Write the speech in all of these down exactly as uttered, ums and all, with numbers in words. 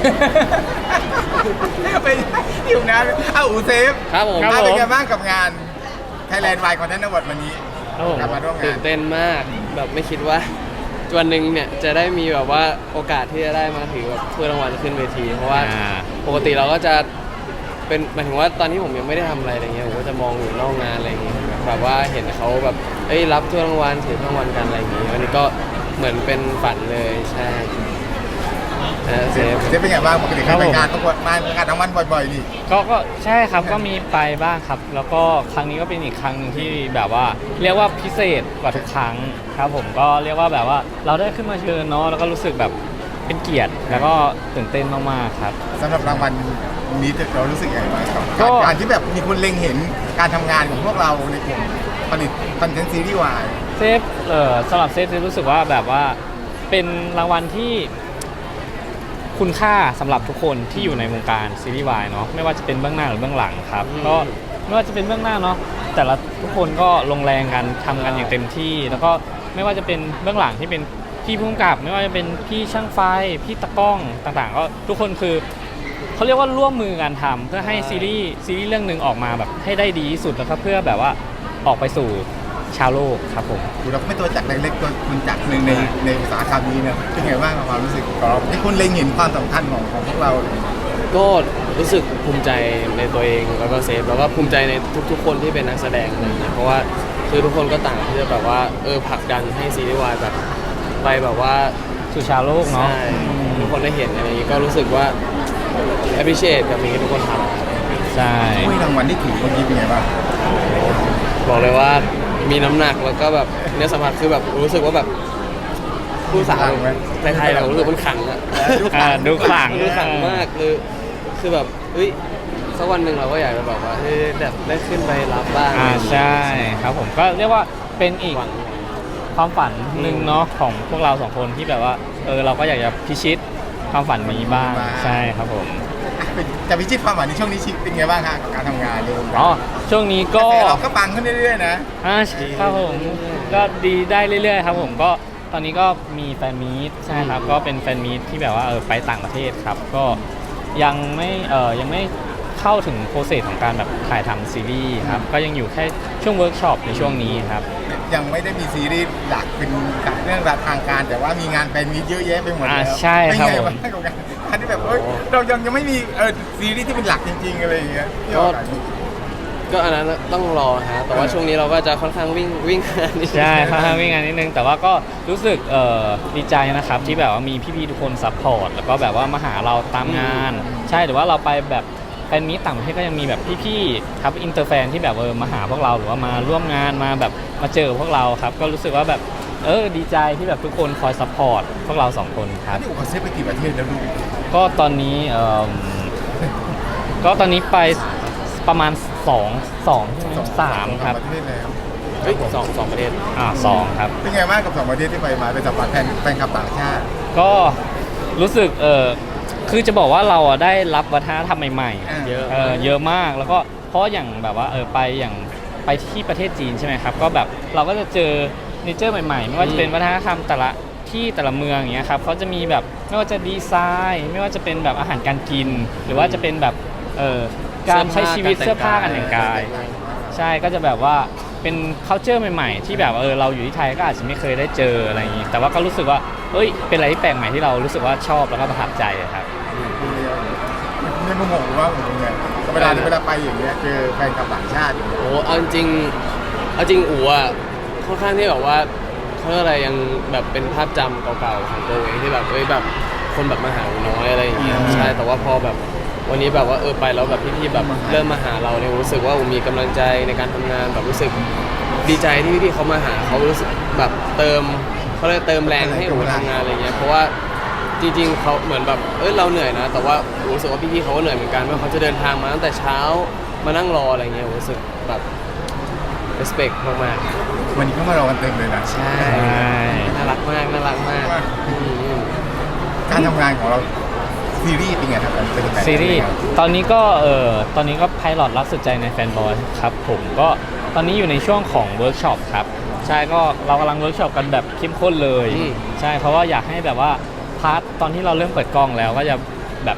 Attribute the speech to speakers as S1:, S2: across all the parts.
S1: ไปอยู่นะเอ้าอูเซฟ
S2: ครับผม
S1: อ่ะเป็นไงบ้างกับงาน Thailand Wine Content Award วันนี้
S3: ครับผม
S1: กลับมาร่วมงา
S2: ตื่
S1: น
S2: นเต้นมากแบบไม่คิดว่าวันหนึ่งเนี่ยจะได้มีแบบว่าโอกาสที่จะได้มาถือแบบถ้วยรางวัลขึ้นเวที เพราะว่า
S3: อ่า
S2: ปกติเราก็จะเป็นหมายถึงว่าตอนที่ผมยังไม่ได้ทำอะไรอะไรเงี้ยผมก็จะมองอยู่นอกงานอะไรเงี้ยแบบว่าเห็นเขาแบบเอ้ยรับถ้วยรางวัลถือถ้วยรางวัลกันอะไรอย่างงี้วันนี้ก็เหมือนเป็นฝันเลยใช่นะเซฟ
S1: เซฟเป็นไงบ้างปกติ
S3: ครั
S1: เขา
S3: บ
S1: ไป
S3: ผม
S1: งานประกวดมางานรางวัลบ่อยๆนี่
S3: ก็ก็ใช่ครับก็มีไปบ้างครับ แล้วก็ครั้งนี้ก็เป็นอีกครั้งหนึ่งที่แบบว่า เรียกว่าพิเศษกว่าทุกครั้งครับผมก็เรียกว่าแบบว่าเราได้ขึ้นมาเชิญเนาะแล้วก็รู้สึกแบบเป็นเกียรติแล้วก็ตื่นเต้นมากๆครับ
S1: สำหรับรางวัลนี้เรารู้สึกยังไงบ้างครับ
S3: ก็
S1: การการที่แบบมีคนเล็งเห็นการทำงานของพวกเราในกลุ่มผลิตคอนเทนต์ซีรีส์วาย
S3: เซฟเออสำหรับเซฟเซฟรู้สึกว่าแบบว่าเป็นรางวัลที่คุณค่าสำหรับทุกคนที่อยู่ในวงการซีรีส์วายเนาะไม่ว่าจะเป็นเบื้องหน้าหรือเบื้องหลังครับ
S2: อืม
S3: ก็ไม่ว่าจะเป็นเบื้องหน้าเนาะแต่ละทุกคนก็ลงแรงกันทำกันอย่างเต็มที่ แล้วก็ไม่ว่าจะเป็นเบื้องหลังที่เป็นพี่ผู้กำกับ ไม่ว่าจะเป็นพี่ช่างไฟพี่ตะกล้องต่างๆ ก็ทุกคนคือเขาเรียกว่าร่วมมือกันทำเพื่อให้ซีรีส์ซีรีส์เรื่องหนึ่งออกมาแบบให้ได้ดีที่สุดแล้วก็เพื่อแบบว่าออกไปสู่ชาวโลกครับผม
S1: คือเราก็ไม่ตัวจักรเล็กๆตัวคุณจักรหนึ่งในในอุตสาหกรรมนี้เนี่ยเป็นไงบ้างกับความรู้สึกของเราที่คุณเล็งเห็นความสำคัญของของพวกเรา
S2: ก็รู้สึกภูมิใจในตัวเองแล้วก็เซฟแล้วก็ภูมิใจในทุกๆ คนที่เป็นนักแสดงอะไรอย่างเงี้ยเพราะว่าคือทุกคนก็ต่างที่จะแบบว่าเออผลักดันให้ซีรีส์วายแบบไปแบบว่า
S3: สู่ชาวโลกเนาะ
S2: ใช่ทุกคนได้เห็นอะไรอย่างงี้ก็รู้สึกว่า appreciate กับสิ่งที่ทุกคนท
S3: ใช่
S1: ถ้วยรางวัลที่ถือเมื่อกี้เป็นไงบ้าง
S2: ำบอกเลยว่ามีน้ำหนักแล้วก็แบบเนื้อสัมผัสคือแบบรู้สึกว่าแบบผู้สาวในไทยเรารู้สึกมันขังอะ
S3: อ่าดูขลัง
S2: ดูขังมากคือคือแบบเฮ้ยสักวันหนึ่งเราก็อยากจะแบบว่าเฮ้ยแบบได้ขึ้นไปรับบ้าง
S3: อ่าใช่ครับผมก็เรียกว่าเป็นอีก
S2: หวัง
S3: ความฝันหนึ่งเนาะของพวกเราสองคนที่แบบว่าเออเราก็อยากจะพิชิตความฝันนี้บ้างใช่ครับผม
S1: อ่ะเป็นจะพิชิตความหวังในช่วงนี้ชีวิตเป็นไงบ้างฮะกับการทำงานในวงการ
S3: อ๋อช่วงนี้
S1: ก
S3: ก็
S1: ระแสเราก็ปังขึ้นเรื่อยๆนะ
S3: อ่าครับผมก็ดีได้เรื่อยๆครับผมก็ตอนนี้ก็มีแฟนมีตใช่ครับก็เป็นแฟนมีตที่แบบว่าเออไปต่างประเทศครับก็ยังไม่เออยังไม่เข้าถึงโปรเซสของการแบบถ่ายทำซีรีส์ครับก็ยังอยู่แค่ช่วงเวิร์กช็อปในช่วงนี้ครับ
S1: ยังไม่ได้มีซีรีส์หลักเป็นเรื่องทางการแต่ว่ามีงานแฟนมีตเยอะแยะไปหมด
S3: อ่า
S1: แล้ว
S3: ใช่ครับ
S1: เป็นไง
S3: ผม
S1: บ้างกับการที่แบบเอ้ยเรายังยังไม่มีเออซีรีส์ที่เป็นหลักจริงๆอะไรอย่างเงี้ยที่ออกอากาศ
S2: ก็อันนั้นต้องรอฮะแต่ว่าช่วงนี้เราก็จะค่อนข้างวิ่งวิ่งงานนิดนึง
S3: ใช่ค่อนข้างวิ่งงานนิดนึงแต่ว่าก็รู้สึกเอ่อดีใจนะครับที่แบบว่ามีพี่ๆทุกคนซัพพอร์ตแล้วก็แบบว่ามาหาเราตามงาน ใช่หรือว่าเราไปแบบแฟนมีตต่างประเทศก็ยังมีแบบพี่ๆครับอินเตอร์แฟนที่แบบเออมาหาพวกเราหรือว่ามาร่วมงานมาแบบมาเจอพวกเราครับก็รู้สึกว่าแบบเออดีใจที่แบบทุกคนคอยซัพพอร์ตพวกเราสองคนครับ
S1: นี่อุปเซฟไปกี่ประเทศแล้วลูก
S3: ก็ตอนนี้เอ่อก็ตอนนี้ไปประมาณสองสองสามครับ
S1: ประเทศแล้ว
S2: เฮ้ยสองสองประเทศ
S3: อ่าสองครับ
S1: เป็นไงบ้างกับสองประเทศที่ไปมาเป็นสัมผัสแฟนแฟนคลับต่างชาติ
S3: ก็รู้สึกเออคือจะบอกว่าเราอ่ะได้รับวัฒนธรรมใหม่
S1: อ่า
S3: ๆเยอะเออเยอะมากแล้วก็เพราะอย่างแบบว่าเออไปอย่างไปที่ประเทศจีนใช่ไหมครับก็แบบเราก็จะเจอเนเจอร์ใหม่ๆ ไม่ว่าจะเป็นวัฒนธรรมแต่ละที่แต่ละเมืองอย่างเงี้ยครับเขาจะมีแบบไม่ว่าจะดีไซน์ ไม่ว่าจะเป็นแบบอาหารการกิน หรือว่าจะเป็นแบบเออการใช้ชีวิตเสื้อผ้าการแต่งกาย ใช่ก็จะแบบว่าเป็น culture ใหม่ๆ ที่แบบเออเราอยู่ที่ไทยก็อาจจะไม่เคยได้เจออะไรอย่างนี้แต่ว่าก็รู้สึกว่าเอ้ยเป็นอะไรที่แปลกใหม่ที่เรารู้สึกว่าชอบแล้วก็ประทับใจครับ
S1: ไม่รู้งงว่าผมไงเวลาเวลาไปอย่างเงี้ยเจอแฟนคลับต่างชาติอย่างเงี้ย
S2: โอ้เอาจริงๆเอาจริงอู๋อ่ะค่อนข้างที่แบบว่าเขาเรียกอะไรยังแบบเป็นภาพจำเก่าๆของตัวเองที่แบบเอ้ยแบบคนแบบมาหาอู๋น้อยอะไรอย่างเงี้ยใช่แต่ว่าพอแบบวันนี้แบบว่าเออไปแล้วแบบพี่ๆแบบเริ่มมาหาเราเนี่ยรู้สึกว่าอู๋มีกำลังใจในการทำงานแบบรู้สึกดีใจที่พี่ๆเขามาหาเขารู้สึกแบบเติมเขาเลยกเติมแรงให้อู๋ทำงานอะไรเงี้ยเพราะว่าจริงๆเขาเหมือนแบบเอ้ยเราเหนื่อยนะแต่ว่าอู๋รู้สึกว่าพี่ๆเขาก็เหนื่อยเหมือนกันว่าเขาจะเดินทางมาตั้งแต่เช้ามานั่งรออะไรเงี้ยอู๋รู้สึกแบบ respect มากๆ
S1: วันนี้ก็มารอกันเต็มเลยนะ
S2: ใช่น่ารักมากน่ารักมากอืม
S1: การทำงานของเราซีรีส์เป็นไงครับเป็นยังไง
S3: ซีรีส์ตอนนี้ก็เออตอนนี้ก็ไพลอตรักสุดใจในแฟนบอยครับผมก็ตอนนี้อยู่ในช่วงของเวิร์กช็อปครับใช่ก็เรากำลังเวิร์กช็อปกันแบบเข้มข้นเลย
S2: อืม
S3: ใช่เพราะว่าอยากให้แบบว่าพาร์ทตอนที่เราเริ่มเปิดกล้องแล้วก็จะแบบ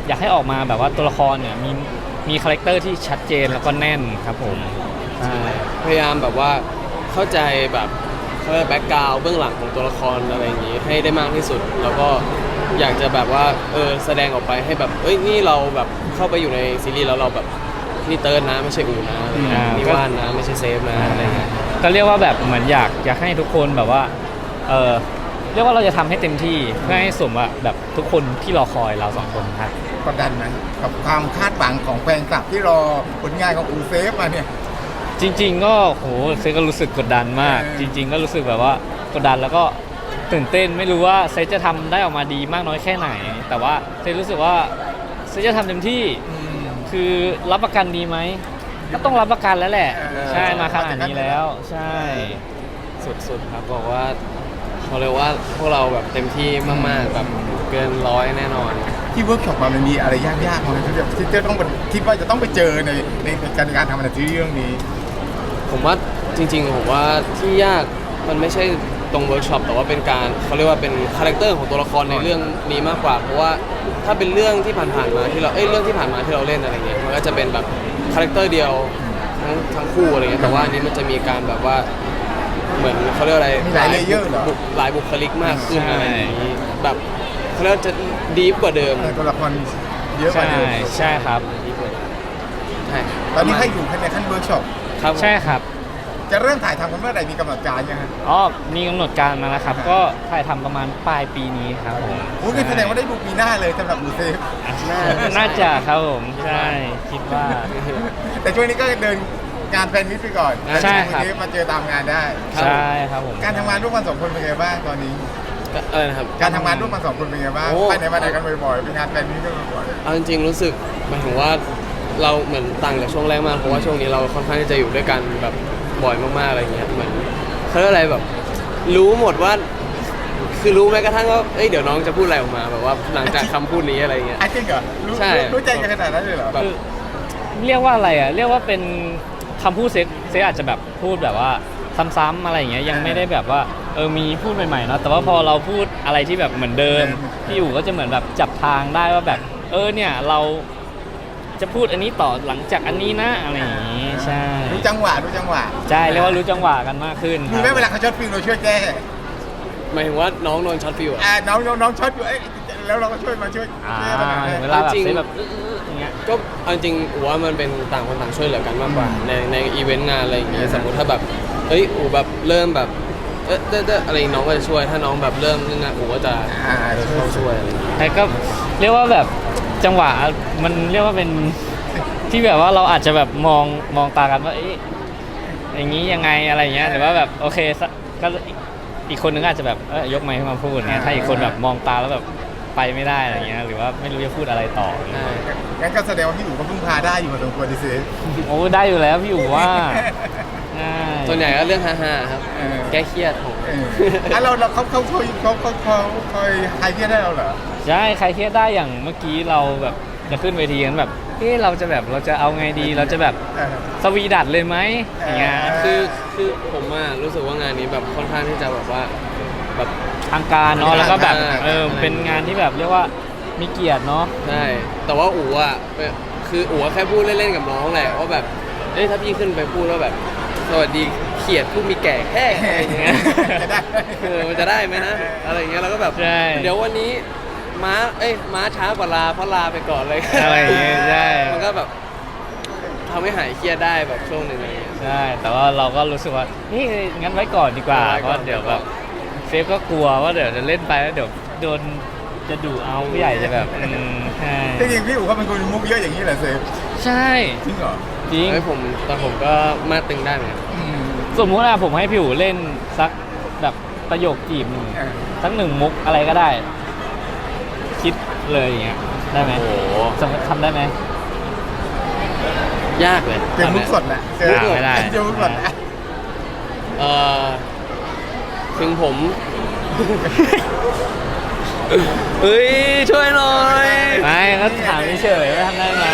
S3: อยากให้ออกมาแบบว่าตัวละครเนี่ยมีมีคาแรคเตอร์ที่ชัดเจนแล้วก็แน่นครับผมใช่
S2: พยายามแบบว่าเข้าใจแบบเขาเรียกแบ็กกราวด์เบื้องหลังของตัวละครอะไรอย่างนี้ให้ได้มากที่สุด แล้วก็อยากจะแบบว่าเออแสดงออกไปให้แบบเอ้ยนี่เราแบบเข้าไปอยู่ในซีรีส์แล้วเราแบบนี่เติร์ดนะไม่ใช่อูนะอะไรเงี้ย
S3: อ่านี่
S2: นี่ว่านนะไม่ใช่เซฟนะอะไรเงี้ย
S3: ก็เรียกว่าแบบเหมือนอยากอยากให้ทุกคนแบบว่าเออเรียกว่าเราจะทำให้เต็มที่เพื่อให้สมว่าแบบทุกคนที่รอคอยเราสองคนครับ
S1: กดดันไหมกับความคาดหวังของแฟนคลับที่รอผลงานของอูเซฟมาเนี่ย
S3: จริง ๆ ก็โหเซก็รู้สึกกดดันมาก
S1: เออ
S3: จริง ๆ ก็รู้สึกแบบว่ากดดันแล้วก็ตื่นเต้นไม่รู้ว่าเซจะทำได้ออกมาดีมากน้อยแค่ไหน แต่ว่าเซรู้สึกว่าเซจะทำเต็มที่
S1: อืม
S3: คือรับประกันดีไหมก็ต้องรับประกันแล้วแหละ
S1: เออ
S3: ใช่มาขนาดนี้แล้วใช่
S2: สุดๆครับบอกว่าเขาเรียกว่าพวกเราแบบเต็มที่มากๆแบบเกินร้อยแน่นอน
S1: ที่เวิร์กช็อปมามันมีอะไรยากๆมั้ยที่แบบที่จะต้องคิดว่าจะต้องไปเจอในในการการทำในซีรีส์เรื่องนี้
S2: ผมว่าจริงๆผมว่าที่ยากมันไม่ใช่ตรงเวิร์กช็อปแต่ว่าเป็นการเขาเรียกว่าเป็นคาแรคเตอร์ของตัวละครในเรื่องนี้มากกว่า เพราะว่าถ้าเป็นเรื่องที่ผ่านๆมาที่เราเอ้ยเรื่องที่ผ่านมาที่เราเล่นอะไรเงี้ยมันก็จะเป็นแบบคาแรคเตอร์เดียวทั้งทั้งคู่อะไรเงี้ยแต่ว่าอันนี้มันจะมีการแบบว่าเหมือนเขาเรียกอะไร
S1: มีหลายเลเยอร์เหรอ
S2: บุหลายบุคลิกมากขึ้น
S3: ใช่
S2: อะไรอย่างนี้แบบเขาเรียกว่าจะดีฟกว่าเดิม
S1: เออตัวละครเยอะกว่า
S3: ใช่
S1: เดิม
S3: ใช่ครับ
S2: ดีฟกว่าใช่
S1: ตอนนี้ให้อยู่ในขั้นเวิร์กช็อป
S2: ครับ
S3: ใช่ครับ
S1: จะเริ่มถ่ายทำกันเมื่อไหร่มีกำหนดการยังไง
S3: อ๋อมีกำหนดการมาแล้วครับ ก็ถ่ายทำประมาณปลายปีนี้ครับผม
S1: โอ้ยแสดงว่าได้ดูปีหน้าเลยสำหรับอูเซฟ
S2: น่า
S3: น่าจะครับผมใช่คิดว่า
S1: แต่ช่วงนี้ก็เดินงานแฟนมิตไปก่อน
S3: ใช่ครับ
S1: อูเซฟมาเจอตามงานได้
S3: ใช่ครับผม
S1: การทำงานร่วมกันสองคนเป็นไงบ้างตอนนี้
S2: เออนะครับ
S1: การทำงานร่วมกันสองคนเป็นไงบ้าง
S2: โอ้
S1: ไปไหนมาไหนกันบ่อยๆเป็นงานแฟนมิตกันบ่อย
S2: เอาจริงๆรู้สึกหมายถึงว่าเราเหมือนต่างจากช่วงแรกมากเพราะว่าช่วงนี้เราค่อนข้างที่จะอยู่ด้วยกันแบบบ่อยมากๆอะไรเงี้ยเหมือนเขาเรียกอะไรแบบ รู้หมดว่า คือรู้แม้กระทั่งว่าเอ้ยเดี๋ยวน้องจะพูดอะไรออกมาแบบว่าหลังจากคำพูดนี้อะไรเงี้ย
S1: ๆอ่ะจริงเหรอรู้
S2: ใช่
S1: รู้รู้ใจกันขนาดนั้นเลยเหรอ
S2: แบบ
S3: คือเรียกว่าอะไรอ่ะเรียกว่าเป็นคำพูดเซ็กเซ็กอาจจะแบบพูดแบบว่าซ้ำๆอะไรอย่างเงี้ยยังไม่ได้แบบว่าเออมีพูดใหม่ๆเนาะแต่ว่าพอเราพูดอะไรที่แบบเหมือนเดิมพี่อู๋ก็จะเหมือนแบบจับทางได้ว่าแบบเออเนี่ยเราจะพูดอันนี้ต่อหลังจากอันนี้นะอะไรอย่างงี้ใช่
S1: รู้จังหวะรู้จังหวะ
S3: ใช่เรียกว่ารู้จังหวะกันมากขึ้นค
S1: มี
S3: รับ
S1: ไหมเวลาเขาช็อตฟิลเราช่วยแก้
S2: หมายถึงว่าน้องโดนช็อตฟิวอะ
S1: อ่าน้องน้องน้องช็อตอยู่เอ้ยแล้วเราก็ช่วยมาช่วย
S3: อ่า
S1: แก้ปัญหาให้
S3: เวลาแบบ
S2: จริง
S3: เซ็กแบบอย่างเงี้ย
S2: ก็เอาจริงอูว่ามันเป็นต่างคนต่างช่วยเหลือกันมากกว่า ในในอีเวนต์งานอะไรอย่างเงี้ยสมมุติถ้าแบบเอ้ยอูแบบเริ่มแบบเอ๊ะเด้อเด้ออะไรน้องก็จะช่วยถ้าน้องแบบเริ่มนี่นะอูก็จะ
S1: อ่า
S2: เออเข้าช่วยอะไรอย่างเงี้ย
S3: แต่ก็เรียกว่าแบบจังหวะมันเรียกว่าเป็นที่แบบว่าเราอาจจะแบบมองมองตากันว่าเอ๊ะอย่างนี้ยังไงอะไรอย่างเงี้ยหรือว่าแบบโอเคสักก็อีกอีกคนนึงอาจจะแบบเอ้ยยกไมค์ขึ้นมาพูดเงี้ยถ้าอีกคนแบบมองตาแล้วแบบไปไม่ได้อะไรเงี้ยหรือว่าไม่รู้จะพูดอะไรต่อ
S2: ใช่
S1: งั้นก็แสดงว่าพี่อู๋ก็พึ่งพาได้อยู่พอสมควรดิเซฟ
S3: โอ้ได้อยู่แล้วพี่อู๋ว่าใช่
S2: ส่วนใหญ่ก็เรื่องฮาๆครับ
S1: เออ
S2: แก้เครียดของ
S1: เอออ่ะเราเราเขาเขาเขาเขาเขาเขาคอยใครเครียดได้เราเหรอ
S3: ใช่ใครเครียดได้อย่างเมื่อกี้เราแบบจะขึ้นเวทีกันแบบเฮ้เราจะแบบเราจะเอาไงดีเราจะแบบ
S1: เออ
S3: สวีดัดเลยไหมอย่างเงี้ย
S1: เอ
S2: คือคือผมอะรู้สึกว่างานนี้แบบค่อนข้างที่จะแบบว่าแบบ
S3: ทางการเนาะแล้วก็แบบ
S2: อ่า
S3: เออเป็นงานที่แบบเรียกว่ามีเกียรติเนาะ
S2: ใช่แต่ว่าอู๋อะเป็นคืออู๋อะแค่พูดเล่นๆกับน้องแหละว่าแบบเอ้ยถ้าพี่ขึ้นไปพูดว่าแบบสวัสดีเขียดผู้มีแก่แค่อะไรอย่างเงี้ย
S1: จะได้
S2: เออมันจะได้ไหมนะอะไรอย่างเงี้ยแล้วก็แบบ
S3: ใช่
S2: เดี๋ยววันนี้ม้าเอ้ยม้าช้ากว่าลาเพราะลาไปก่อนเลย
S3: อะไรอย่างเงี้ยใช่
S2: มันก็แบบทำให้หายเครียดได้แบบช่วงหนึ่งอะไรเงี้ย
S3: ใช่แต่ว่าเราก็รู้สึกว่าเฮ้ยงั้นไว้ก่อนดีกว่า
S2: ไว้
S3: เพ
S2: ก่อน
S3: ราะเดี๋ยวแบบเซฟก็กลัวว่าเดี๋ยวจะเล่นไปแล้วเดี๋ยวโดนจะดุเอาผู้ใหญ่จะแบบอืมใช่
S1: จริงๆพี่อู๋เขาเป็นคนมีมุกเยอะอย่างนี้แหละเซฟ
S3: ใช่
S1: จริงเหรอ
S3: จริง
S2: เฮ้ยผมแต่ผมก็มาตึงได้เหมือนกัน
S1: อืม
S3: สมมุติว่าผมให้พี่อู๋เล่นสักแบบประโยคจีบหนึ่ง
S1: เออ
S3: สักหนึ่งมุกอะไรก็ได้ คิดเลยอย่างเงี้ยได้ไหม
S2: โอ้โห
S3: สมมติทำได้ไหม
S2: ยากเลย
S1: เจอมุกสดแหละเจอ
S3: อ่าไม่ได้
S1: เจอมุกสดแหละ
S2: เอ่อถึงผม เฮ้ย ช่วยหน่อย
S3: ไม่ก็ถามเฉยๆว่าทำได้ไหม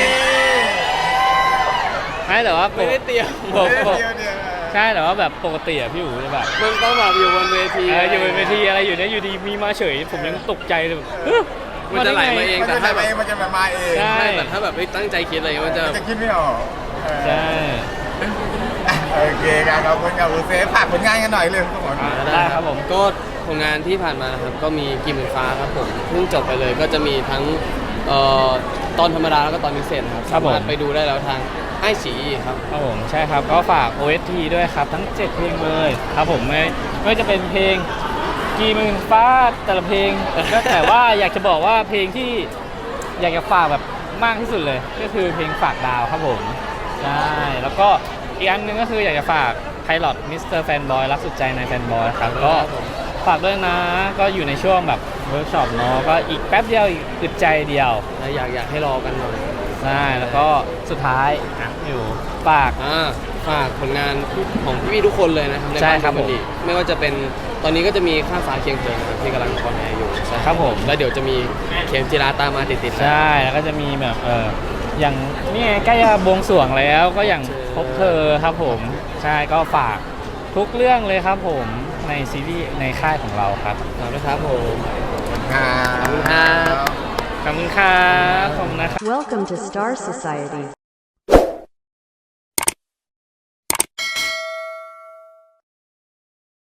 S3: ไม่แต่ว่าป
S2: ไม่
S3: ก
S2: ได้เตรียม
S3: ปกปก
S1: เดี๋ยวเดี๋ยว
S3: ใช่แต่ว่าแบบปกติอะพี่อู๋จะแบบ
S2: มันต้องแบบอยู่บนเวที
S3: เอออยู่บนเวทีอะไรอยู่เนี่ยอยู่ดีมีมาเฉย ผมยังตกใจเลยแบบเฮ้ย
S2: มันจะไหลมาเอง
S1: มัน
S2: แต่
S1: จะ
S2: ถ้า
S1: มา
S2: แบบ
S1: เองมันจะมาเอง
S3: ใช่
S2: ใช่แต่ถ้าแบบไม่ตั้งใจคิดอะไรมันจะ
S1: มันจะคิดไม่ออกเออ
S3: ใช่
S1: โอเคครับขอบคุณกับอูเซฟฝากผลงานกันหน่อยเลยทุกคน
S3: อ่าได้ครับผม
S2: ก็ผลงานที่ผ่านมานะครับก็มีกี่หมื่นฟ้าครับผมเพิ่งจบไปเลยก็จะมีทั้งเอ่อตอนธรรมดาแล้วก็ตอนพิเศษครับ
S3: ครับผม
S2: สามารถไปดูได้แล้วทางไอซีครับ
S3: ครับผมใช่ครับก็ฝาก โอ เอส ที ด้วยครับทั้งเจ็ดเพลงเลยครับผมไม่ไม่ว่าจะเป็นเพลงกี่หมื่นฟ้าแต่ละเพลงก็แต่ว่าอยากจะบอกว่าเพลงที่อยากจะฝากแบบมากที่สุดเลย ก็คือเพลงฝากดาวครับผมใช่แล้วก็อีกอันหนึงก็คืออยากจะฝากไพลอตมิสเตอร์แฟนบอยรักสุดใจในแฟนบอยครับก็ฝากด้วยนะก็อยู่ในช่วงแบบเวิร์กช็อปเนาะก็อีกแป๊บเดียวอีกอึดใจเดียว
S2: และอยากอยากให้รอกันหน่อย
S3: ใช่แล้วก็สุดท้ายอ่ะอยู่ฝาก
S2: อ่าฝากผลงานของพี่ๆทุกคนเลยนะครับใน
S3: ใช่
S2: บ้าน
S3: ครับ
S2: คอมเมดี้ไม่ว่าจะเป็นตอนนี้ก็จะมีข้ามฟ้าเคียงเธอนะครับที่กำลังคอนแอร์อยู่ใช่
S3: ครับผม
S2: แล้วเดี๋ยวจะมีเข็มจิราตามมาติดๆ
S3: ใช่แล้วก็จะมีแบบเอออย่างนี่ไงใกล้จะบวงสรวงแล้วก็อย่างพบเธอครับผมใช่ก็ฝากทุกเรื่องเลยครับผมในซีรีส์ในค่ายของเราครับ
S2: ขอบคุณครับผม
S1: ครับ
S2: ขอบคุณครับ
S3: ขอบคุณครับขอบคุณนะครับ
S4: Welcome to Star Society.